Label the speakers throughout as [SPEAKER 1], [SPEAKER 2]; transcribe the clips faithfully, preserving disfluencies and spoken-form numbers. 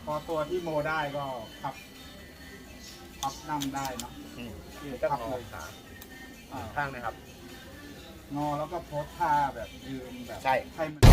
[SPEAKER 1] พอตัวที่โมได้ก็พับพับนั่งได้เนาะ
[SPEAKER 2] อืมก็งอขา
[SPEAKER 1] อ่า
[SPEAKER 2] ข้างนะครับ
[SPEAKER 1] งอแล้วก็โพสท่าแบบยืนแบบ
[SPEAKER 2] ใช่
[SPEAKER 1] ให้มัน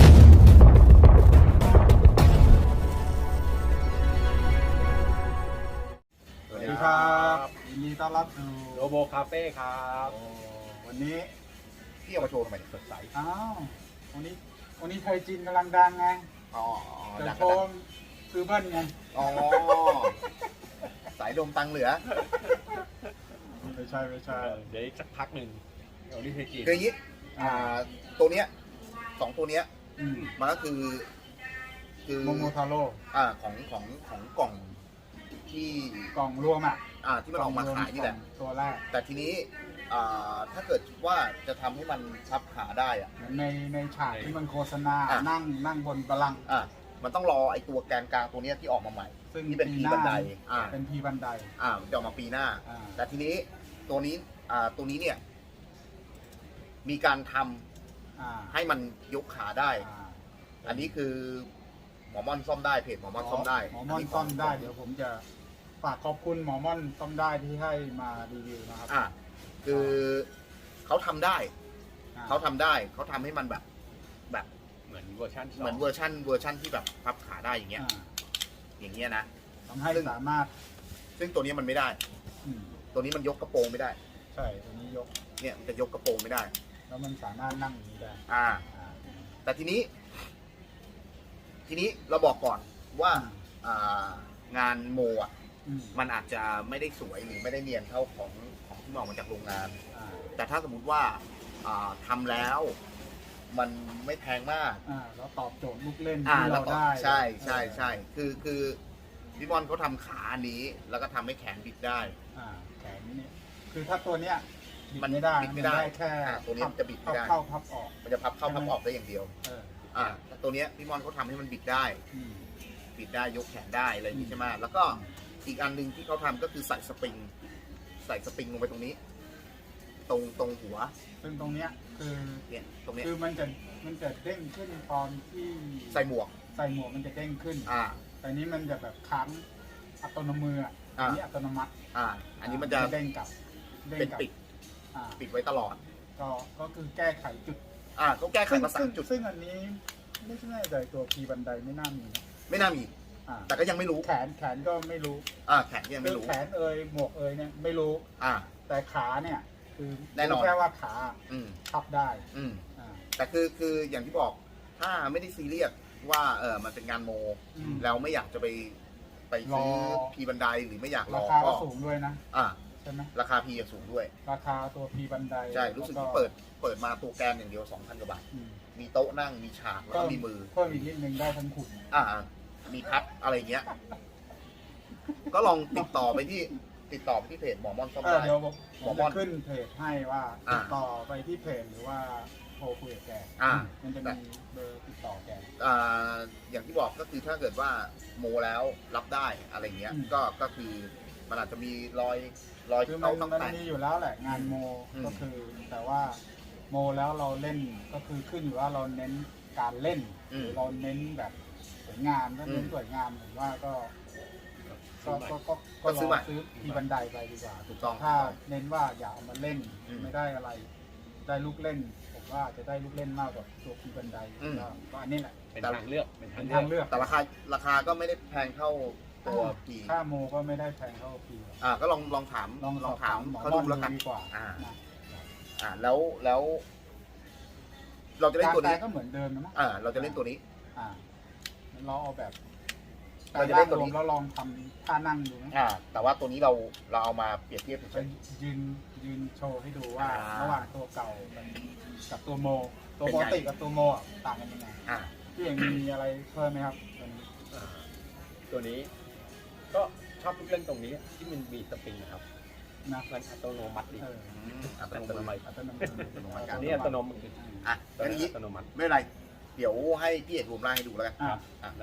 [SPEAKER 1] สวัสดีครับยินดีต้อนรับสู่
[SPEAKER 2] โรโบคาเฟ่ครับ
[SPEAKER 1] โอ้วันนี้
[SPEAKER 2] พี่เอามาโชว์ทำไมสดใส
[SPEAKER 1] อ้าววันนี้วันนี้ไทยจีนกำลังดังไง
[SPEAKER 2] อ๋อ
[SPEAKER 1] เดี๋ย
[SPEAKER 2] ดั
[SPEAKER 1] ว
[SPEAKER 2] ง
[SPEAKER 1] โช
[SPEAKER 2] ก็ดัง
[SPEAKER 1] ว์คือเบิ้ลไง
[SPEAKER 2] อ๋อสายลมตังเหลือ
[SPEAKER 1] ไม่ใช่ไม่ใช่
[SPEAKER 3] เดี๋ยวอีกสักพักหนึ่งเดี๋ยวนี่คือจีน
[SPEAKER 2] คืออย่างนี้อ่าตัวเนี้ยสองตัวเนี้ย
[SPEAKER 1] อืม
[SPEAKER 2] มันก็คือ คือ
[SPEAKER 1] โมโมทาโร่
[SPEAKER 2] อ่าของของของกล่องที่
[SPEAKER 1] กล่องรวมอ่ะ
[SPEAKER 2] อ่าที่มันออกมาขายนี่แหละ
[SPEAKER 1] ตัวแรก
[SPEAKER 2] แต่ทีนี้อ่าถ้าเกิดว่าจะทำให้มันพับขาได้อ่ะ
[SPEAKER 1] เหมือนในในฉากที่มันโฆษณา
[SPEAKER 2] อ่ะ
[SPEAKER 1] นั่งนั่งบนบัลลังก์
[SPEAKER 2] อ่ามันต้องรอไอ้ตัวแกนกลางตัวเนี้ยที่ออกมาใหม่
[SPEAKER 1] ซึ่ง
[SPEAKER 2] ที่เป็น
[SPEAKER 1] ปี
[SPEAKER 2] พี
[SPEAKER 1] หน้า
[SPEAKER 2] บันไดอ่า
[SPEAKER 1] เป็นพีบันได
[SPEAKER 2] อ่ามันจะออกมาปีหน้า
[SPEAKER 1] อ่า
[SPEAKER 2] แต่ทีนี้ตัวนี้อ่าตัวนี้เนี่ย มีการทำ
[SPEAKER 1] อ่า
[SPEAKER 2] ให้มันยกขาได้
[SPEAKER 1] อ่า
[SPEAKER 2] อันนี้คือหมอม่อนซ่อมได้เพจหมอม่อนซ่อมได้
[SPEAKER 1] หมอม่อนซ่อมได้เดี๋ยวผมจะฝากขอบคุณหมอม่อนซ่อมได้ที่ให้มารีวิวนะครับ
[SPEAKER 2] อ่าคือเขาทำได้
[SPEAKER 1] อ่
[SPEAKER 2] เขาทำได้เขาทำให้มันแบบ แบบ
[SPEAKER 3] เหมือนเวอร์ชันสง
[SPEAKER 2] เหมือนเวอร์ชันเวอร์ชันที่แบบพับขาได้อย่างเงี้ย
[SPEAKER 1] อ่า
[SPEAKER 2] อย่างเงี้ยนะ
[SPEAKER 1] ทำให้
[SPEAKER 2] ซึ่ง
[SPEAKER 1] สามารถ
[SPEAKER 2] ซึ่งตัวนี้มันไม่ได้
[SPEAKER 1] อืม
[SPEAKER 2] ตัวนี้มันยกกระโปรงไม่ได้
[SPEAKER 1] ใช่ตัวนี้ยก
[SPEAKER 2] เนี่ยมันจะยกกระโปรงไม่ได้
[SPEAKER 1] แล้วมันสามารถนั่งอย่างนี้ได้
[SPEAKER 2] อ่า
[SPEAKER 1] อ่า
[SPEAKER 2] แต่ทีนี้ ทีนี้เราบอกก่อนว่าอ่างานโมอ่ะ
[SPEAKER 1] อืม
[SPEAKER 2] มันอาจจะไม่ได้สวยหรือไม่ได้เนียนเท่าของของที่มันออกมาจากโรงงาน
[SPEAKER 1] อ่า
[SPEAKER 2] แต่ถ้าสมมุติว่าอ่าทำแล้ว มันไม่แพงมาก
[SPEAKER 1] อ่าแล้วตอบโจทย์ลูกเล่น
[SPEAKER 2] อ่า
[SPEAKER 1] ที่
[SPEAKER 2] แล้
[SPEAKER 1] เรา
[SPEAKER 2] วก็
[SPEAKER 1] ได้
[SPEAKER 2] ใช่ใช่ใช่คือคือพี่บอลเขาทำขาอันนี้ แล้วก็ทำให้แขนบิดได้
[SPEAKER 1] อ่าแขนนี่คือถ้าตัวเนี้ยบิด
[SPEAKER 2] มัน
[SPEAKER 1] ไม่ได้
[SPEAKER 2] บิดไม่ได้
[SPEAKER 1] แค่
[SPEAKER 2] อ่าตัวนี้มันจะบิดไม่ได้
[SPEAKER 1] เข้าพับออก
[SPEAKER 2] มันจะพับเข้าพับออกได้อย่างเดียว
[SPEAKER 1] เออ
[SPEAKER 2] อ่าแต่ตัวเนี้ยพี่บอลเขาทำให้มันบิดได้
[SPEAKER 1] อืม
[SPEAKER 2] บิดได้ยกแขนได้อะไรอย่างนี้ใช่ไหมแล้วก็อีกอันหนึ่งที่เขาทำก็คือใส่สปริง ใส่สปริงลงไปตรงนี้ ตรงตรงหัว
[SPEAKER 1] ซึ่งตรงเนี้ยคือ
[SPEAKER 2] เนี่ยตรงเนี้ย
[SPEAKER 1] คือมันจะมันจะเด้งขึ้นตอนที่
[SPEAKER 2] ใส่หมวก
[SPEAKER 1] ใส่หมวกมันจะเด้งขึ้น
[SPEAKER 2] อ่า
[SPEAKER 1] แต่นี้มันจะแบบค้างอัตโนมืออ่ะ
[SPEAKER 2] อ่า
[SPEAKER 1] อันนี้อัตโนมัติ
[SPEAKER 2] อ่า อันนี้มันจะ
[SPEAKER 1] เด้งกลับด้ง
[SPEAKER 2] เป็น
[SPEAKER 1] กลับ
[SPEAKER 2] ปิด
[SPEAKER 1] อ่า
[SPEAKER 2] ปิดไว้ตลอด
[SPEAKER 1] ก็ก็คือแก้ไขจุด
[SPEAKER 2] อ่าเขาแก้ไข
[SPEAKER 1] ซึ่ง
[SPEAKER 2] มาสา
[SPEAKER 1] ซึ่
[SPEAKER 2] ม
[SPEAKER 1] ง
[SPEAKER 2] จุด
[SPEAKER 1] ซึ่งอันนี้ไม่ใช่ใจตัวพีบันไดไม่น่ามีนะ
[SPEAKER 2] ไม่น่ามี
[SPEAKER 1] อ่า
[SPEAKER 2] แต่ก็ยังไม่รู้
[SPEAKER 1] แขนแขนก็ไม่รู้
[SPEAKER 2] อ่า แขนก็ยังไม่รู้
[SPEAKER 1] แขนเอยหมวกเอยเนี่ยไม่รู้
[SPEAKER 2] อ่า
[SPEAKER 1] แต่ขาเนี่ยคือ
[SPEAKER 2] แน่นอน
[SPEAKER 1] รู้แค่ว่าขา
[SPEAKER 2] อืม
[SPEAKER 1] พับได้
[SPEAKER 2] อืม
[SPEAKER 1] อ่า
[SPEAKER 2] แต่คือคืออย่างที่บอก ถ้าไม่ได้ซีเรียสว่าเออมันเป็นงานโม
[SPEAKER 1] อืม
[SPEAKER 2] แล้วไม่อยากจะไปไปซื้อ
[SPEAKER 1] รอ
[SPEAKER 2] พีบันไดหรือไม่อยากร
[SPEAKER 1] รา
[SPEAKER 2] อ
[SPEAKER 1] คา
[SPEAKER 2] ก็
[SPEAKER 1] ก็สูงด้วยนะ
[SPEAKER 2] อ่า
[SPEAKER 1] ใช่ไหม
[SPEAKER 2] ราคาพีสูงด้วย
[SPEAKER 1] ราคาตัวพีบันได
[SPEAKER 2] ใช่ รู้สึก
[SPEAKER 1] แล้ว
[SPEAKER 2] ที่เปิด เปิดมาตัวแกนอย่างเดียว สองพัน กว่าบาท
[SPEAKER 1] อืม
[SPEAKER 2] มีโต๊ะนั่ง มีฉาก แล้วก็มีมือ
[SPEAKER 1] เพิ่มอีกนิดนึงได้ทั้งขุน
[SPEAKER 2] อ่า มีพัดอะไรอย่างเงี้ย ก็ลองติดต่อไปที่ ติดต่อไปที่เพจหมอม่อนซ่อม
[SPEAKER 1] เออ
[SPEAKER 2] ได้
[SPEAKER 1] เดี๋ยวผม
[SPEAKER 2] หมอ
[SPEAKER 1] ผม
[SPEAKER 2] ม่อ
[SPEAKER 1] จะ
[SPEAKER 2] น
[SPEAKER 1] ขึ้นเพจให้ว่า
[SPEAKER 2] อ่า
[SPEAKER 1] ติดต่อไปที่เพจหรือว่าโทรคุยกับแก
[SPEAKER 2] อ่า
[SPEAKER 1] มันจะมีเบอร์ติดต่อแก
[SPEAKER 2] อ่า อย่างที่บอกก็คือถ้าเกิดว่าโมแล้วรับได้อะไรเงี้ย
[SPEAKER 1] อืม
[SPEAKER 2] ก็ ก็คือมันอาจจะมีรอย รอย
[SPEAKER 1] คือ
[SPEAKER 2] ที่
[SPEAKER 1] มัน
[SPEAKER 2] เขาต้อง
[SPEAKER 1] มัน
[SPEAKER 2] แต่ง
[SPEAKER 1] มีอยู่แล้วแหละงานโม
[SPEAKER 2] อืม
[SPEAKER 1] ก็คือ แต่ว่าโมแล้วเราเล่นก็คือขึ้นอยู่ว่าเราเน้นการเล่นหรือเราเน้นแบบสวยงามถ้าเน้นสวยงามผมว่าก็ก็ก็ก็ก็ลองซื้อพีบันไดไปดีกว่า
[SPEAKER 2] ถูกต้อง
[SPEAKER 1] ถ้าเน้นว่าอยากเอามาเล่น
[SPEAKER 2] อืม
[SPEAKER 1] ไม่ได้อะไร ได้ลูกเล่น ผมว่าจะได้ลูกเล่นมากกว่าตัวพีบันได
[SPEAKER 2] อืม
[SPEAKER 1] ก็ก็อันนี้แหละ
[SPEAKER 3] เป็นทางเลือกเป็นทา
[SPEAKER 1] เป็
[SPEAKER 3] ง
[SPEAKER 1] น
[SPEAKER 3] เลื
[SPEAKER 1] ทา
[SPEAKER 3] อก
[SPEAKER 1] งเลือก
[SPEAKER 2] แต่ราคา ราคาก็ไม่ได้แพงเท่าตัวพี
[SPEAKER 1] ค่าโมก็ไม่ได้แพงเท่าพีหรอก
[SPEAKER 2] อ่า ก็ลอง ลองถาม
[SPEAKER 1] ลองสอบถามหมอ
[SPEAKER 2] เขา
[SPEAKER 1] ม่อ
[SPEAKER 2] ดู
[SPEAKER 1] น
[SPEAKER 2] แล้ว
[SPEAKER 1] ดู
[SPEAKER 2] กัน
[SPEAKER 1] ดีกว่า
[SPEAKER 2] อ่า
[SPEAKER 1] นะ
[SPEAKER 2] อ่า แล้ว แล้ว เราจะเล่น
[SPEAKER 1] การ
[SPEAKER 2] ตัว
[SPEAKER 1] แปล
[SPEAKER 2] นี้
[SPEAKER 1] ก็เหมือนเดิมนะมั้ง
[SPEAKER 2] อ่า เราจะเล่นตัวนี้
[SPEAKER 1] อ่าเราเอาแบบ
[SPEAKER 2] เราจะเล่นตัวนี้
[SPEAKER 1] รวมแล้วลองทำท่านั่งดูนะ
[SPEAKER 2] อ่า แต่ว่าตัวนี้เรา เราเอามาเปรียบเทียบเฉ
[SPEAKER 1] ไป
[SPEAKER 2] ย
[SPEAKER 1] ยืนยืนโชว์ให้ดูว่า
[SPEAKER 2] อ่า
[SPEAKER 1] ระหว่างตัวเก่ากับตัวโม ตัว
[SPEAKER 2] เป็น
[SPEAKER 1] ป
[SPEAKER 2] ไง
[SPEAKER 1] กติกับตัวโมอ่ะต่างกันยังไง
[SPEAKER 2] ๆอ่า
[SPEAKER 1] พี่เองมีอะไรเพิ่มไหมครับตัวนี้
[SPEAKER 3] อ่าตัวนี้ ก็ชอบลูกเล่นตรงนี้ที่มันมีสปริงนะครับ
[SPEAKER 1] นะ
[SPEAKER 3] มันอัตโนมัติดี
[SPEAKER 1] เออ
[SPEAKER 2] อืมอัต
[SPEAKER 3] อั
[SPEAKER 2] โน
[SPEAKER 3] ตโน
[SPEAKER 2] มั
[SPEAKER 3] มั
[SPEAKER 2] ติ
[SPEAKER 3] ติ
[SPEAKER 1] อัตโนมัติ
[SPEAKER 2] อัตโนมัติ
[SPEAKER 3] อันนี้อัตโนมัติ
[SPEAKER 2] อ่ะ
[SPEAKER 3] ตัว
[SPEAKER 2] งั้น
[SPEAKER 3] นี้
[SPEAKER 2] นี้
[SPEAKER 3] อัตโนมัติ
[SPEAKER 2] ไม่เป็นไร เดี๋ยวให้พี่เอกรวมร่างให้ดูแล้วกัน
[SPEAKER 1] อ่า
[SPEAKER 2] อ่ะ
[SPEAKER 3] ได้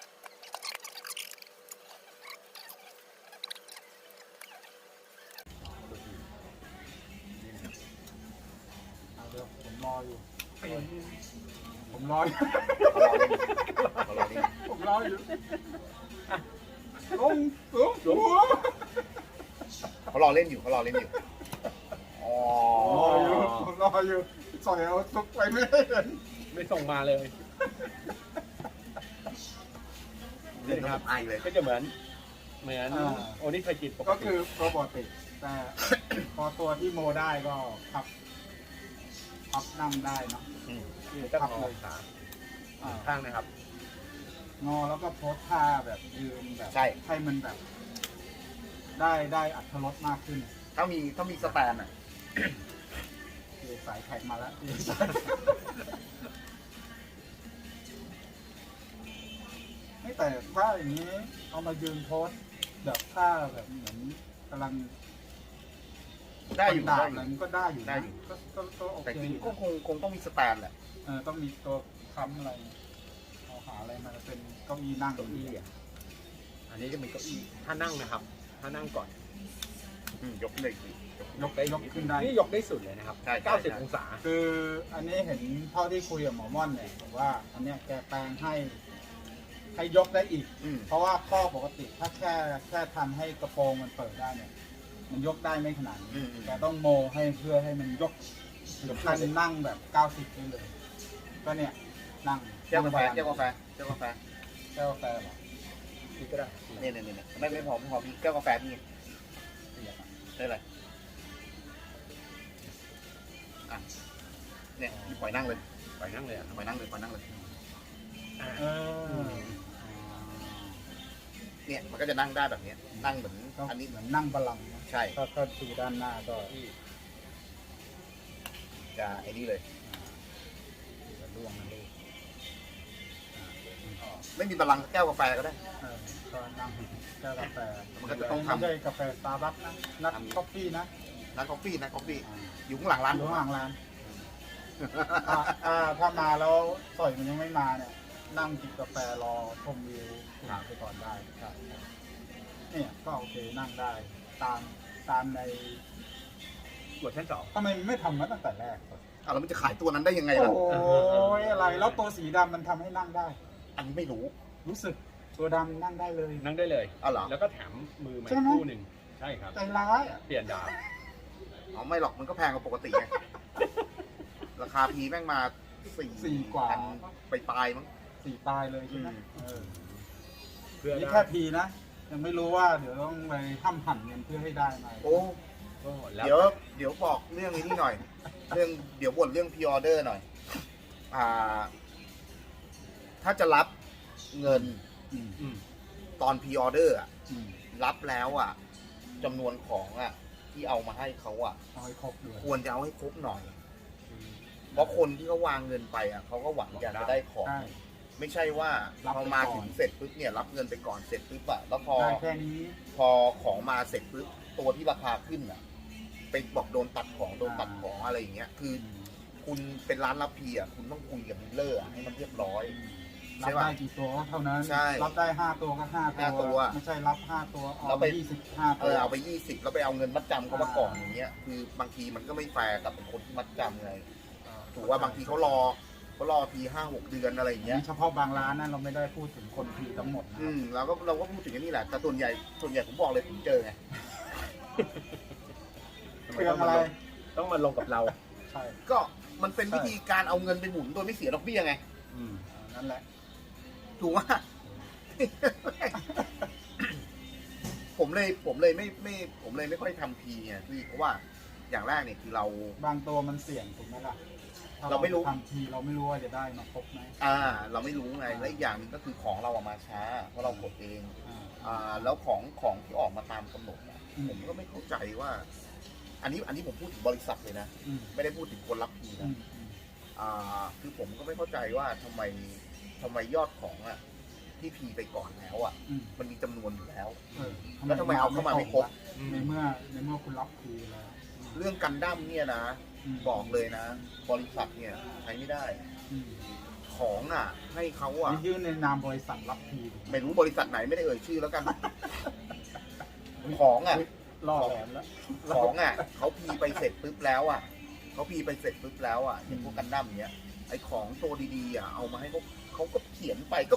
[SPEAKER 1] เอาเดี๋ยวผมรออยู่ ผมรออยู่
[SPEAKER 2] เขารอเล่นเขารอเล่น
[SPEAKER 1] ผมรออยู่
[SPEAKER 3] อ่ะ
[SPEAKER 1] โอ้โห
[SPEAKER 2] เขารอเล่นอยู่เขารอเล่นอยู่อ๋อ
[SPEAKER 1] รออยู่รออยู่สอยเอาซุกไปไม่ได้เห็น
[SPEAKER 3] ไม่ส่งมาเลย
[SPEAKER 2] เล่นกับไอเลย
[SPEAKER 3] ก็จะเหมือน เหมือนโอนิคาจิปก
[SPEAKER 1] ก็
[SPEAKER 3] ติ
[SPEAKER 1] คือโรบอติกแต่ พอตัวที่โมได้ก็พับพับนั่งได้เนาะ
[SPEAKER 3] อืม
[SPEAKER 1] คือ
[SPEAKER 3] ก็
[SPEAKER 1] พับ
[SPEAKER 3] งอ
[SPEAKER 1] เลย
[SPEAKER 3] ขา
[SPEAKER 1] อ่า
[SPEAKER 3] ข้างนะครับ
[SPEAKER 1] งอแล้วก็โพสท่าแบบยืนแบบ
[SPEAKER 2] ใช่
[SPEAKER 1] ให้มันแบบ ได้ได้อัตรสมากขึ้น
[SPEAKER 2] ถ้ามีถ้ามีสแตนอ่ะ
[SPEAKER 1] คือสายแท็กมาแล้ว ไม่แต่ถ้าอย่างนี้เอามายืนโพสแบบท่าแบบเหมือนกำลัง
[SPEAKER 2] ได้อยู่
[SPEAKER 1] ด่า
[SPEAKER 2] ได้
[SPEAKER 1] อะไร
[SPEAKER 2] อยู่
[SPEAKER 1] มันก็ได้อยู่
[SPEAKER 2] ได้
[SPEAKER 1] นะ
[SPEAKER 2] อยู่
[SPEAKER 1] ก็ก็ก็โอ
[SPEAKER 2] แต่
[SPEAKER 1] เค
[SPEAKER 2] จริ
[SPEAKER 1] อง ยู่
[SPEAKER 2] ก็คงคงต้องมีสแตนแหละ
[SPEAKER 1] เออต้องมีตัวค้ำอะไรเอาหาอะไรมาเป็นเก้าอี้นั่ง
[SPEAKER 3] เก้าอี้อ่ะ อันนี้จะมีเก้าอี้ถ้านั่งนะครับ ถ้านั่งก่อน
[SPEAKER 2] อืมยกเลยสิยก
[SPEAKER 1] ยกยกขึ้นได้
[SPEAKER 3] นี่ยกได้สุดเลยนะครับ
[SPEAKER 2] ใช่ใช่
[SPEAKER 3] เก้าสิบองศา
[SPEAKER 1] คืออันนี้เห็นเท่าที่คุยกับหมอม่อนเนี่ยบอกว่า อันเนี้ยแกแปลงให้ให้ยกได้อีก
[SPEAKER 2] อืม
[SPEAKER 1] เพราะว่าข้อปกติถ้าแค่แค่ทำให้กระโปรงมันเปิดได้เนี่ย มันยกได้ไม่ขนาดนี้
[SPEAKER 2] อืมอืม
[SPEAKER 1] แกต้องโมให้เพื่อให้มันยกถึงขั้นนั่งแบบเก้าสิบได้เลย ก็เนี่ยนั่ง
[SPEAKER 2] แก้วกาแฟ
[SPEAKER 1] นั่ง
[SPEAKER 2] แก้วกาแฟแก้วกาแฟ
[SPEAKER 1] แก้วกาแฟเหรอ
[SPEAKER 3] นี่ก็ได้
[SPEAKER 2] เนี่ยเนี่ยเนี่ยไม่ไม่พอไม่พอพี่แก้วกาแฟพี่ได้เลยอ่ะเนี่ยพี่ปล่อยนั่งเลย
[SPEAKER 3] ไปนั่งเลยอ่ะ
[SPEAKER 2] ปล่อยนั่งเลยปล่อยนั่งเลย
[SPEAKER 3] อ่า
[SPEAKER 1] เออ
[SPEAKER 2] เนี่ยมันก็จะนั่งได้แบบเนี้ยนั่งเหมือน
[SPEAKER 1] ก็
[SPEAKER 2] อันนี้
[SPEAKER 1] เหมือนนั่งบาลังก์นะ
[SPEAKER 2] ใช่
[SPEAKER 1] ก็ก็ดูด้านหน้าก็
[SPEAKER 2] จะไอ้นี่เลย
[SPEAKER 1] จะล่วงนะลูก
[SPEAKER 2] ไม่มีบาลังก์แก้วกาแฟก็ได้
[SPEAKER 1] เออก็นั่งแก้วกาแฟ
[SPEAKER 2] มันก็จะต้องทำ
[SPEAKER 1] ไม่ใช่กาแฟสตาร์บัคนะนัดกาแฟนะ
[SPEAKER 2] นักกาแฟนักกาแฟ
[SPEAKER 1] อ่า
[SPEAKER 2] อยู่ข้างหลังร้าน
[SPEAKER 1] อยู่ข้างหลังร้านอ่าอ่าถ้ามาแล้วสอยมันยังไม่มาเนี่ย นั่งจิบกาแฟรอชมวิวไปก่อนได้ครับเนี่ยก็โอเคนั่งได้ ตามตามใน
[SPEAKER 3] กดชั้นสอง
[SPEAKER 1] ทำไมไม่ทำมาตั้งแต่แรก
[SPEAKER 2] อ่ะแล้วมันจะขายตัวนั้นได้ยังไง
[SPEAKER 1] โอ้
[SPEAKER 2] ล่ะ
[SPEAKER 1] ยอะไรแล้วตัวสีดำมันทำให้นั่งได้
[SPEAKER 2] อันนี้ไม่รู้
[SPEAKER 1] รู้สึกตัวดำนั่งได้เลย
[SPEAKER 3] นั่งได้เลย
[SPEAKER 2] อ๋อเหรอ
[SPEAKER 3] แล้วก็แถมมือมา
[SPEAKER 1] ใช่ไหม
[SPEAKER 3] คู่หนึ่งใช่ครับ
[SPEAKER 1] ใจร้ายอ่ะ
[SPEAKER 3] เปลี่ยนดาว
[SPEAKER 2] อ๋อไม่หรอกมันก็แพงกว่าปกติไงราคาพีแม่งมาสี่
[SPEAKER 1] สี่กว่า
[SPEAKER 2] พันไปปลายมั้ง
[SPEAKER 1] สี่ตายเลยใช่ไหม
[SPEAKER 2] อืม
[SPEAKER 1] เออ
[SPEAKER 3] เพื่อ
[SPEAKER 1] นี่
[SPEAKER 3] ได้
[SPEAKER 1] แค่พีนะ ยังไม่รู้ว่าเดี๋ยวต้องไปห้ามหั่นเงินเพื่อให้ได้มา
[SPEAKER 2] โอ้
[SPEAKER 3] ก็แล้ว
[SPEAKER 2] เดี๋ยวเดี๋ยวบอกเรื่องนี้หน่อย เรื่องเดี๋ยวบ่นเรื่องพีออเดอร์หน่อย อ่า ถ้าจะรับเงิน
[SPEAKER 1] อืม
[SPEAKER 3] อืม
[SPEAKER 2] ตอนพีออเดอร์อะ
[SPEAKER 1] อืม
[SPEAKER 2] รับแล้วอ่ะจำนวนของอ่ะ ที่เอามาให้เขาอ่ะ
[SPEAKER 1] เอาให้ครบด้วย
[SPEAKER 2] ควรจะเอาให้ครบหน่อย เพราะคนที่เขาวางเงินไปอ่ะเขาก็หวังอยากจะได้ของ
[SPEAKER 1] ใช่
[SPEAKER 2] ไม่ใช่ว่า
[SPEAKER 1] รับ
[SPEAKER 2] พอ
[SPEAKER 1] ไป
[SPEAKER 2] มา
[SPEAKER 1] ก่อน
[SPEAKER 2] ถึงเสร็จปุ๊บเนี่ยรับเงินไปก่อนเสร็จปุ๊บอะแล้วพอ
[SPEAKER 1] ได้แค่นี้
[SPEAKER 2] พอของมาเสร็จปุ๊บตัวที่ราคาขึ้นอ่ะไปบอกโดนตัดของโดนตัดของอะไรอย่างเงี้ยคือ คุณเป็นร้านรับพีอ่ะคุณต้องคุยกับดีลเลอร์อะให้มันเรียบร้อย
[SPEAKER 1] รับได้กี่ตัวก็เท่านั้น
[SPEAKER 2] ใช่
[SPEAKER 1] รับได้ห้าตัวก็ห้า
[SPEAKER 2] ห้าตัว
[SPEAKER 1] ไม่ใช่รับห้าตัว
[SPEAKER 2] แล้
[SPEAKER 1] เอา
[SPEAKER 2] ว
[SPEAKER 1] ไป
[SPEAKER 2] ไป
[SPEAKER 1] ยี่สิบห้า
[SPEAKER 2] เอ
[SPEAKER 1] ตัว
[SPEAKER 2] อเอาไปยี่สิบแล้วไปเอาเงินมัดจำเขามาก่อนอย่างเงี้ยคือบางทีมันก็ไม่แฟร์กับคนที่มัดจำไงถูกว่าบางทีเขารอเขารอทีห้าหกเดือนอะไรอย่างเงี้ย
[SPEAKER 1] นี่เฉพาะบางร้านนะเราไม่ได้พูดถึงคนพีทั้งหมดนะค
[SPEAKER 2] อื
[SPEAKER 1] รับ
[SPEAKER 2] มเราก็เราก็พูดถึงอันนี้แหละแต่ส่วนใหญ่ส่วนใหญ่ผมบอกเลยผมเจอไง
[SPEAKER 1] เครื่องอะไร
[SPEAKER 3] ต้องมาลงกับเรา
[SPEAKER 1] ใช่
[SPEAKER 2] ก็มันเป็นวิธีการเอาเงินไปหมุนโดยไม่เสียดอกเบี้ยไง
[SPEAKER 3] อืม
[SPEAKER 1] นั่นแหละ
[SPEAKER 2] ถูกว่า ผมเลยผมเลยไม่ไม่ผมเลยไม่ค่อยทำพีไงพี่เพราะว่าอย่างแรกเนี่ยคือเรา
[SPEAKER 1] บางตัวมันเสี่ยงถูกไหมล่ะถ้
[SPEAKER 2] เราไม่รู้
[SPEAKER 1] ทำทีเราไม่รู้ว่าจะได้มาครบไหม
[SPEAKER 2] อ่า เราไม่รู้ไงและอีกอย่างหนึงก็คือของเราอะมาช้าเพราะเรากดเอง
[SPEAKER 1] อ่า
[SPEAKER 2] อ่าแล้วของของที่ออกมาตามกำหนดอะ
[SPEAKER 1] อืม
[SPEAKER 2] ผมก็ไม่เข้าใจว่า อันนี้อันนี้ผมพูดถึงบริษัทเลยนะ
[SPEAKER 1] อืม
[SPEAKER 2] ไม่ได้พูดถึงคนรับพี
[SPEAKER 1] อื
[SPEAKER 2] นะ
[SPEAKER 1] มอืม
[SPEAKER 2] อ่าคือผมก็ไม่เข้าใจว่าทำไมทำไมยอดของอะที่พีไปก่อนแล้วอะ
[SPEAKER 1] อืม
[SPEAKER 2] มันมีจำนวนอยู่แล้ว
[SPEAKER 1] เออ
[SPEAKER 2] แล้วทำไมเอาเข้ามาไม่ครบ
[SPEAKER 1] ในเมื่อในเมื่อคุณรับพีแล้ว
[SPEAKER 2] เรื่องกันดั้มเนี่ยนะ
[SPEAKER 1] ม
[SPEAKER 2] บอกเลยนะ บริษัทเนี่ยใช้ไม่ได้
[SPEAKER 1] อืม
[SPEAKER 2] ของอ่ะ ให้เขาอ่ะ
[SPEAKER 1] นี่ยื่นในนามบริษัทรับพีถูกไหม
[SPEAKER 2] ไม่รู้บริษัทไหนไม่ได้เอ่ยชื่อแล้วกัน ของอ่ะ
[SPEAKER 1] เฮ้ยล่อแหลมแล้ว
[SPEAKER 2] ของอ่ะเขาพีไปเสร็จปุ๊บแล้วอ่ะเขาพีไปเสร็จปุ๊บแล้วอ่ะอย่างพวกกันดั้มเนี้ยไอของตัวดีๆอ่ะเอามาให้เขาเขาก็เขียนไปก็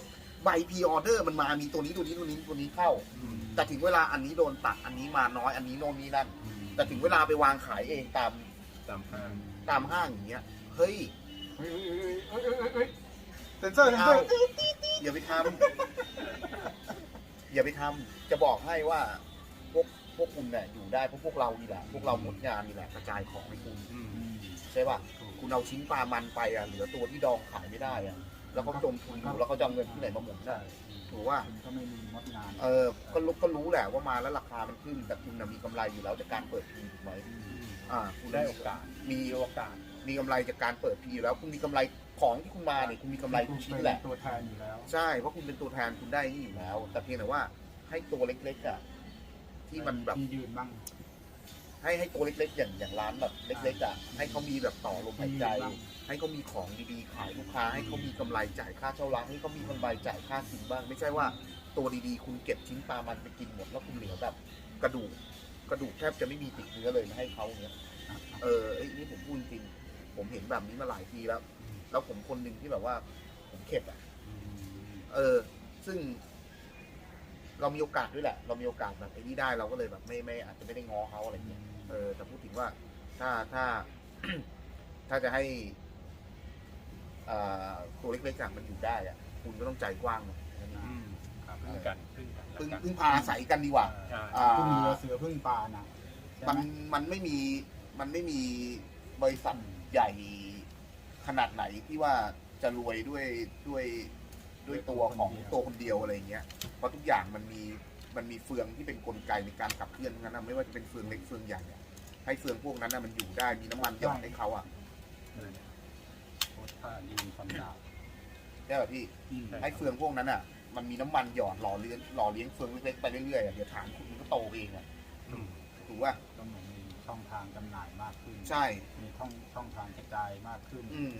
[SPEAKER 2] ใบพรีออเดอร์มันมามีตัวนี้ตัวนี้ตัวนี้ตัวนี้เข้า แต่ถึงเวลาอันนี้โดนตัดอันนี้มาน้อยอันนี้โน่นนี่นั่นแต่ถึงเวลาไปวางขายเองตาม
[SPEAKER 3] ตามห้าง
[SPEAKER 2] ตามห้างอย่างเงี้ยเฮ้ย
[SPEAKER 1] เฮ้ยเฮ้ยเฮ้ยเฮ้ยเฮ้ยเฮ้ยเซนเซอร์เซนเซอร์
[SPEAKER 2] อย่าไปทำอย่าไปทำจะบอกให้ว่าพวกพวกคุณเนี่ยอยู่ได้เพราะพวกเรานี่แหละพวกเราหมดงานนี่แหละกระจายของให้คุณใช่ป่ะคุณเอาชิ้นปลามันไปอ่ะเหลือตัวที่ดองขายไม่ได้อ่ะแล้วเขาจมทุนอยู่แล้วเขาจะเอาเงินที่ไหนมาหมุนได้ถูกว่า
[SPEAKER 1] คุณก็ไม่มีมดงาน
[SPEAKER 2] เออก็รู้ก็รู้แหละว่ามาแล้วราคามันขึ้นแต่คุณน่ะมีกำไรอยู่แล้วจากการเปิดพีถูกไหมอ่าคุณ
[SPEAKER 3] ได้โอกาส
[SPEAKER 2] มี
[SPEAKER 3] โอกาส
[SPEAKER 2] มีกำไรจากการเปิดพีอยู่แล้วคุณมีกำไรของที่คุณมาเนี่ยคุณมีกำไรทุกชิ้นแหละ
[SPEAKER 1] ตัวแทนอยู่แล้ว
[SPEAKER 2] ใช่เพราะคุณเป็นตัวแทนคุณได้นี่อยู่แล้ว แต่เพียงแต่ว่าให้ตัวเล็กๆอ่ะที่มันแบบ
[SPEAKER 1] ที่ยืนบ้าง
[SPEAKER 2] ให้ให้ตัวเล็กๆ อย่างอย่างร้านแบบเล็กๆอ่ะให้เขามีแบบต่อลมหายใจ
[SPEAKER 1] บ้าง
[SPEAKER 2] ให้เขามีของดีๆขายลูกค้าให้เขามีกำไรจ่ายค่าเช่าร้านให้เขามีกำไรจ่ายค่าสินบ้าง ไม่ใช่ว่าตัวดีๆ คุณเก็บชิ้นปลามันไปกินหมดแล้วคุณเหลือแบบกระดูกกระดูกแทบจะไม่มีติดเนื้อเลยมาให้เขาเนี้ยเออไอ้นี่ผมพูดจริงผมเห็นแบบนี้มาหลายทีแล้ว แล้วผมคนหนึ่งที่แบบว่าผมเข็ดอ่ะเออ ซึ่ง เรามีโอกาสด้วยแหละ เรามีโอกาสแบบไอ้นี่ได้เราก็เลยแบบไม่ไม่อาจจะไม่ได้ง้อเขาอะไรเงี้ยเออแต่พูดถึงว่าถ้าถ้า ถ้าจะให้อ่าตัวเล็กๆอะมันอยู่ได้อะคุณก็ต้องใจกว้างหน่อย
[SPEAKER 3] ครับพึ่งกันพึ่งกัน
[SPEAKER 2] พึ่งพึ่งพาอาศัยกันดีกว่า
[SPEAKER 3] ใช่
[SPEAKER 2] อ่า
[SPEAKER 1] พึ่งเรือเสือพึ่งปลานะใช่
[SPEAKER 2] มัน
[SPEAKER 1] ไหม
[SPEAKER 2] มันไม่มีมันไม่มีบริษัทใหญ่ขนาดไหนที่ว่าจะรวยด้วยด้วยด้วยตัวของตัวคนเดียวอะไรเงี้ยเพราะทุกอย่างมันมีมันมีเฟืองที่เป็นกลไกในการขับเคลื่อนทั้งนั้นนะไม่ว่าจะเป็นเฟืองเล็กเฟืองใหญ่อะให้เฟืองพวกนั้นนะมันอยู่ได้มีน้ำมันหยอดให้เขาอ่ะ
[SPEAKER 1] โคตรท่ายิงฟันดาบ
[SPEAKER 2] ใช่ป่ะพี่
[SPEAKER 1] อืม
[SPEAKER 2] ให้เฟืองพวกนั้นอ่ะมันมีน้ำมันหยอดหล่อเลี้ยงหล่อเลี้ยงเฟืองเล็กๆไปเรื่อยๆอะเดี๋ยวฐานคุณมันก็โตเองอ่ะ
[SPEAKER 3] อืม
[SPEAKER 2] ถูกป่ะ
[SPEAKER 1] ก็เหมือนมีช่องทางจำหน่ายมากขึ้น
[SPEAKER 2] ใช่
[SPEAKER 1] มีช่องช่องทางกระจายมากขึ้น
[SPEAKER 2] อืม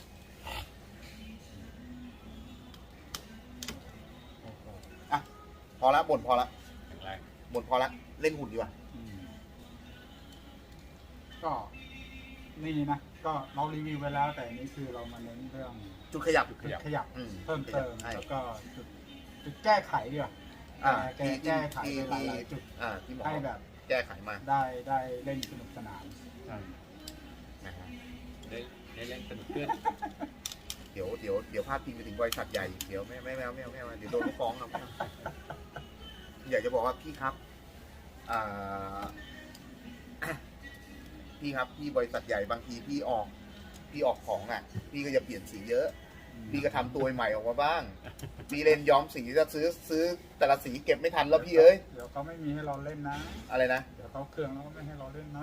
[SPEAKER 1] โอ้โห
[SPEAKER 2] พอละบ่นพอละ
[SPEAKER 3] แข็งแรง
[SPEAKER 2] บ่นพอละเล่นหุ่นดีกว่า
[SPEAKER 1] อืมก็นี่นะ ก็เรารีวิวไปแล้ว แต่อันนี้คือเรามาเน้นเรื่อง
[SPEAKER 2] จุดขยับ
[SPEAKER 1] จุดขยับ
[SPEAKER 2] อืม
[SPEAKER 1] เพิ่มเติม
[SPEAKER 2] ใช่
[SPEAKER 1] แล้วก็จุดจุดแก้ไขดีกว่า
[SPEAKER 2] อ่า
[SPEAKER 1] แก้
[SPEAKER 2] ที่
[SPEAKER 1] แก้ไข
[SPEAKER 2] ที่
[SPEAKER 1] ไปห
[SPEAKER 2] ที่
[SPEAKER 1] ลายๆจุด
[SPEAKER 2] อ่าที่หมอ
[SPEAKER 1] ให้แบบ
[SPEAKER 2] แก้ไขมา
[SPEAKER 1] ได้ได้เล่นสนุกสนาน
[SPEAKER 3] ใช่
[SPEAKER 2] นะฮะ
[SPEAKER 3] ได้ได้เล่นสนุกขึ้น
[SPEAKER 2] เดี๋ยวเดี๋ยวเดี๋ยวพาดพิงไปถึงบริษัทใหญ่เดี๋ยวไม่ไม่ไม่เอาไม่เอาไม่เอาเดี๋ยวโดนเขาฟ้องครับอยากจะบอกว่าพี่ครับอ่า พี่ครับพี่บริษัทใหญ่บางทีพี่ออกพี่ออกของอ่ะ พี่ก็จะเปลี่ยนสีเยอะ พี่ก็ทำตัวใหม่ออกมาบ้าง พี่เล่นย้อมสีจะซื้อซื้อแต่ละสีเก็บไม่ทันแล้วพี่เอ้ย
[SPEAKER 1] เดี๋ยวเขาไม่มีให้เราเล่นนะ
[SPEAKER 2] อะไรนะ
[SPEAKER 1] เดี๋ยวเขาเครื่องแล้วก็ไม่ให้เราเล่นนะ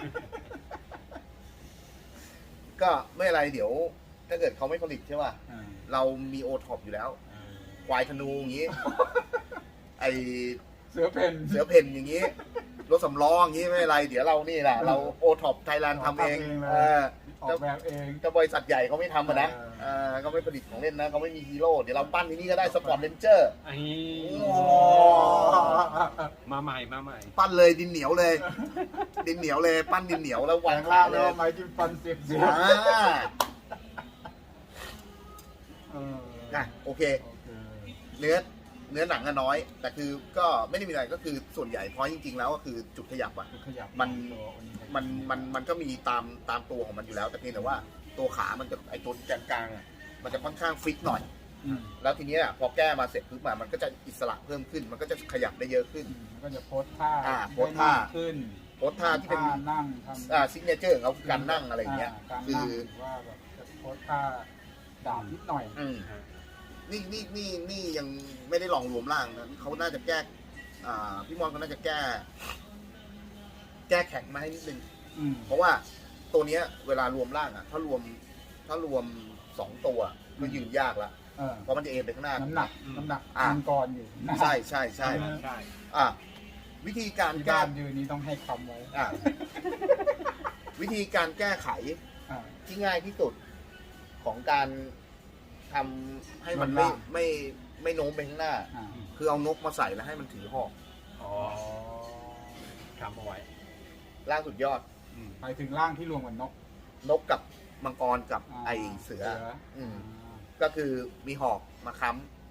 [SPEAKER 2] ก็ไม่อะไรเดี๋ยว ถ้าเกิดเขาไม่ผลิตใช่ป่ะ
[SPEAKER 1] อ่า
[SPEAKER 2] เรามีโอท็อปอยู่แล้ว
[SPEAKER 1] อ่า
[SPEAKER 2] ควายธนูอย่างนี้ ไอ
[SPEAKER 1] เสือเพน
[SPEAKER 2] เสือเพ่นอย่างนี้ รถสำล้ออย่างนี้ไม่อะไร เดี๋ยวเรานี่แหละเราโอท็อปไทยแลนด์ทำเอง
[SPEAKER 1] ทำเองเลย
[SPEAKER 2] เออ
[SPEAKER 1] ออกแบบเอง
[SPEAKER 2] ก็บริษัทใหญ่เขาไม่ทำอะนะ
[SPEAKER 1] เออ
[SPEAKER 2] เออเขาไม่ผลิตของเล่นนะเขาไม่มีฮีโร่เดี๋ยวเราปั้นที่นี่ก็ได้สปอร์ตเลนเจอร์
[SPEAKER 3] ไอ้
[SPEAKER 2] โอ้
[SPEAKER 3] มาใหม่มาใหม่
[SPEAKER 2] ปั้นเลยดินเหนียวเลย ดินเหนียวเลย ปั้นดินเหนียวแล้ว
[SPEAKER 1] แปล
[SPEAKER 2] วาง
[SPEAKER 1] ง
[SPEAKER 2] ขา
[SPEAKER 1] ร่าง
[SPEAKER 2] เล
[SPEAKER 1] แล้ว
[SPEAKER 2] ย
[SPEAKER 1] ไม้จิ้มฟันเสียบเสียบ
[SPEAKER 2] อ่า
[SPEAKER 1] เออ
[SPEAKER 2] อ่ะโอเค
[SPEAKER 1] โอเค
[SPEAKER 2] เนื้อเนื้อหนังอะน้อย แต่คือก็ไม่ได้มีอะไรก็คือส่วนใหญ่เพราะจริงๆแล้วก็คือจุดขยับอะ
[SPEAKER 1] จุดขยับ
[SPEAKER 2] มัน
[SPEAKER 1] ตัวโอนิเทค
[SPEAKER 2] มันมันมันก็มีตามตามตัวของมันอยู่แล้ว แต่เพียงแต่ว่าตัวขามันจะไอตัวแกนกลางอะมันจะค่อนข้างฟิกหน่อย
[SPEAKER 1] อืม
[SPEAKER 2] แล้วทีเนี้ยพอแก้มาเสร็จปุ๊บอะมันก็จะอิสระเพิ่มขึ้น มันก็จะขยับได้เยอะขึ้น
[SPEAKER 1] อืมมันก็จะโพสท่า
[SPEAKER 2] อ่าโพสท่า
[SPEAKER 1] ได้มกขึ้น
[SPEAKER 2] โพสท่าที่เป็น
[SPEAKER 1] ท่านั่งทำ
[SPEAKER 2] อ่าซิกเนเจอร์ของเขาคือการนั่งอะไรอย่างเงี้ย
[SPEAKER 1] การ
[SPEAKER 2] คื
[SPEAKER 1] นั่ง
[SPEAKER 2] อ
[SPEAKER 1] หรือว่าแบบจะโพสท่าดาบนิดหน่อย
[SPEAKER 2] อืมนี่นี่นี่นี่ยังไม่ได้ลองรวมร่างนะเขาน่าจะแก้อ่าพี่มอนเขาน่าจะแก้ แก้แข็งมาให้นิดนึง
[SPEAKER 1] อืม
[SPEAKER 2] เพราะว่าตัวเนี้ยเวลารวมร่างอ่ะ ถ้ารวมถ้ารวมสองตัวก็ยืนยากละ
[SPEAKER 1] เออ
[SPEAKER 2] เพราะมันจะเอ็นไปข้างหน้า
[SPEAKER 1] น้ำหนักน้ำหนัก
[SPEAKER 2] อ่า
[SPEAKER 1] มังกรอยู่นะ
[SPEAKER 2] ใช่ใช่ใช่
[SPEAKER 3] ใช่
[SPEAKER 2] อ่ะวิธีการ
[SPEAKER 1] ที่
[SPEAKER 2] แก้
[SPEAKER 1] บ้านยืนนี้ต้องให้คำไว้
[SPEAKER 2] อ่ะวิธีการแก้ไข
[SPEAKER 1] อ่า
[SPEAKER 2] ที่ง่ายที่สุดของการทำให้มันไม่
[SPEAKER 1] รวมร่าง
[SPEAKER 2] ไม่ไม่โน้มไปข้างหน้า
[SPEAKER 1] อ่า
[SPEAKER 2] คือเอานกมาใส่แล้วให้มันถือหอก
[SPEAKER 3] อ๋อทำเอาไว้
[SPEAKER 2] ล่างสุดยอด
[SPEAKER 3] อืม
[SPEAKER 1] ไปถึงร่างที่รวมกับนก
[SPEAKER 2] นกกับมังกรกับ
[SPEAKER 1] อ่า
[SPEAKER 2] ไอเสือ
[SPEAKER 1] เสือ
[SPEAKER 2] อืม
[SPEAKER 1] อ่า
[SPEAKER 2] ก็คือมีหอกมาค้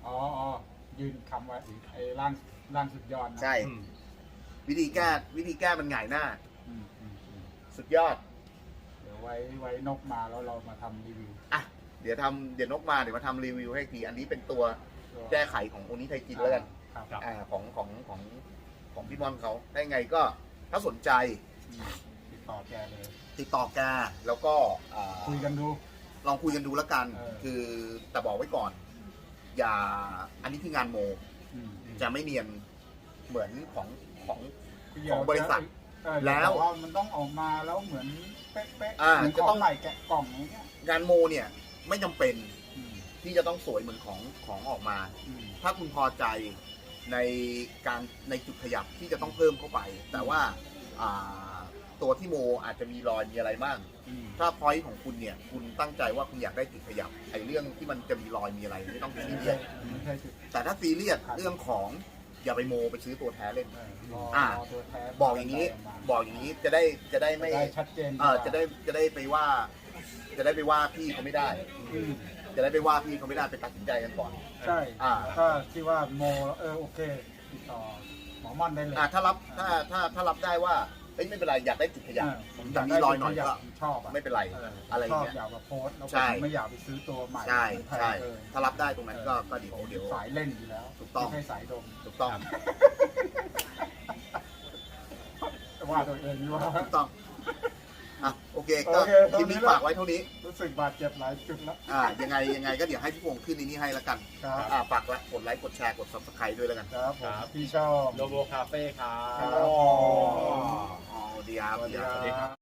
[SPEAKER 1] อ๋ออ๋อยืนคำไว้ไอ้ร่างร่างสุดยอดนะ
[SPEAKER 2] ใช่
[SPEAKER 3] อืม
[SPEAKER 2] วิธีแก้วิธีแก้มันหงายหน้า
[SPEAKER 1] อืมอืมอืม
[SPEAKER 2] สุดยอด
[SPEAKER 1] เดี๋ยวไว้ไว้นกมาแล้วเรามาทำรีวิว
[SPEAKER 2] อ่ะเดี๋ยวทำเดี๋ยวนกมาเดี๋ยวมาทำรีวิวให้อีกทีอันนี้เป็นตัวแก้ไขของโอนิไทจินแล้วกัน
[SPEAKER 1] ครับ
[SPEAKER 3] ครับ
[SPEAKER 2] อ่าของของของของพี่บอลเขาได้ไงก็ถ้าสนใจ
[SPEAKER 1] อืมติดต่อแกเลย
[SPEAKER 2] ติดต่อแกแล้วก็อ่า
[SPEAKER 1] คุยกันดู
[SPEAKER 2] ลองคุยกันดูแล้วกัน
[SPEAKER 1] เออ
[SPEAKER 2] คือแต่บอกไว้ก่อน อย่าอันนี้คืองานโม
[SPEAKER 1] อืม
[SPEAKER 2] จะไม่เนียนเหมือนของของ
[SPEAKER 1] เดี๋ยว
[SPEAKER 2] ของบริษัท
[SPEAKER 1] เออ
[SPEAKER 2] แล้ว
[SPEAKER 1] ต่ามันต้องออกมาแล้วเหมือนเป๊ะๆ
[SPEAKER 2] อ่า
[SPEAKER 1] เหมือน
[SPEAKER 2] จะ
[SPEAKER 1] ข
[SPEAKER 2] ต้
[SPEAKER 1] อ
[SPEAKER 2] อง
[SPEAKER 1] งใหม่แกะกล่องอย่างเงี้ย
[SPEAKER 2] งานโมเนี่ยไม่จำเป็น
[SPEAKER 1] อืม
[SPEAKER 2] ที่จะต้องสวยเหมือนของของออกมา
[SPEAKER 1] อืม
[SPEAKER 2] ถ้าคุณพอใจในการในจุดขยับที่จะต้องเพิ่มเข้าไป แต่ว่าอ่าตัวที่โมอาจจะมีรอยมีอะไรบ้าง
[SPEAKER 1] อืม
[SPEAKER 2] ถ้าพอยต์ของคุณเนี่ยคุณตั้งใจว่าคุณอยากได้จุดขยับไอ้เรื่องที่มันจะมีรอยมีอะไรไม่ต้องซี
[SPEAKER 1] ไม่
[SPEAKER 2] เรีย
[SPEAKER 1] ใช่
[SPEAKER 2] ส
[SPEAKER 1] ไม่ใช่จุด
[SPEAKER 2] แต่ถ้าซีเรียสเรื่องของอย่าไปโมไปซื้อตัวแท้เล่น
[SPEAKER 1] เออรอ
[SPEAKER 2] อ่า
[SPEAKER 1] รอตัวแท้
[SPEAKER 2] บอกอย่างนี้ บอกอย่างนี้จะได้จะได้ไม่
[SPEAKER 1] ได้ชัดเจน
[SPEAKER 2] เออจะได้จะได้ไปว่า จะได้ไปว่าพี่เขาไม่ได้
[SPEAKER 1] อืม
[SPEAKER 2] จะได้ไปว่าพี่เขาไม่ได้ไปตัดสินใจกันก่อน
[SPEAKER 1] ใช่
[SPEAKER 2] อ่า
[SPEAKER 1] ถ้าที่ว่าโมแล้วเออโอเค ติดต่อหมอม่อนได้เลย
[SPEAKER 2] อ่าถ้ารับถ้าถ้าถ้ารับได้ว่าเอ้ยไม่เป็นไรอยากได้จุดขยับ
[SPEAKER 1] อ่าผม
[SPEAKER 2] แต่มีรอยหน่อย
[SPEAKER 1] าก
[SPEAKER 2] ก็
[SPEAKER 1] ได้ผมชอบอ่ะ
[SPEAKER 2] ไม่เป็นไร
[SPEAKER 1] เออ
[SPEAKER 2] อะไร
[SPEAKER 1] ชอบ
[SPEAKER 2] เงี้ย
[SPEAKER 1] อยากมาโพสต์แล้ว
[SPEAKER 2] ใช่
[SPEAKER 1] ผมไม่อยากไปซื้อตัวใหม่
[SPEAKER 2] ใช่
[SPEAKER 1] แพง
[SPEAKER 2] ใช่
[SPEAKER 1] เกิน
[SPEAKER 2] ถ้ารับได้ตรงนั้นก็ก็เดี๋ยวเดี๋ยว
[SPEAKER 1] สายเล่นอยู่แล้ว
[SPEAKER 2] ถูกต้อง
[SPEAKER 1] ไม่ใช่สายดม
[SPEAKER 2] ถูกต้อง
[SPEAKER 1] ว่าตัวเองนี่ว่า
[SPEAKER 2] ถูกต้องอ่ะโอเคก็
[SPEAKER 1] โอเค
[SPEAKER 2] คลิปนี้
[SPEAKER 1] เท่านี้
[SPEAKER 2] ฝากไว้เท่านี้
[SPEAKER 1] รู้สึกบาดเจ็บหลายจุดแล้ว
[SPEAKER 2] อ่ายังไงยังไงก็เดี๋ยวให้พี่พงษ์ขึ้นในนี้ให้แล้วกัน
[SPEAKER 1] ครับ
[SPEAKER 2] อ่าฝากละกดไลค์กดแชร์กด subscribe ด้วยแล้วกัน
[SPEAKER 1] ครับผม
[SPEAKER 3] ครับ
[SPEAKER 1] พี่ชอบ
[SPEAKER 3] โลโบคาเฟ่ครั
[SPEAKER 1] ครับ บ
[SPEAKER 2] อ๋ออ๋อดีครับ
[SPEAKER 1] สวัส
[SPEAKER 2] ดี
[SPEAKER 1] ดี
[SPEAKER 2] ครับ
[SPEAKER 1] ครับ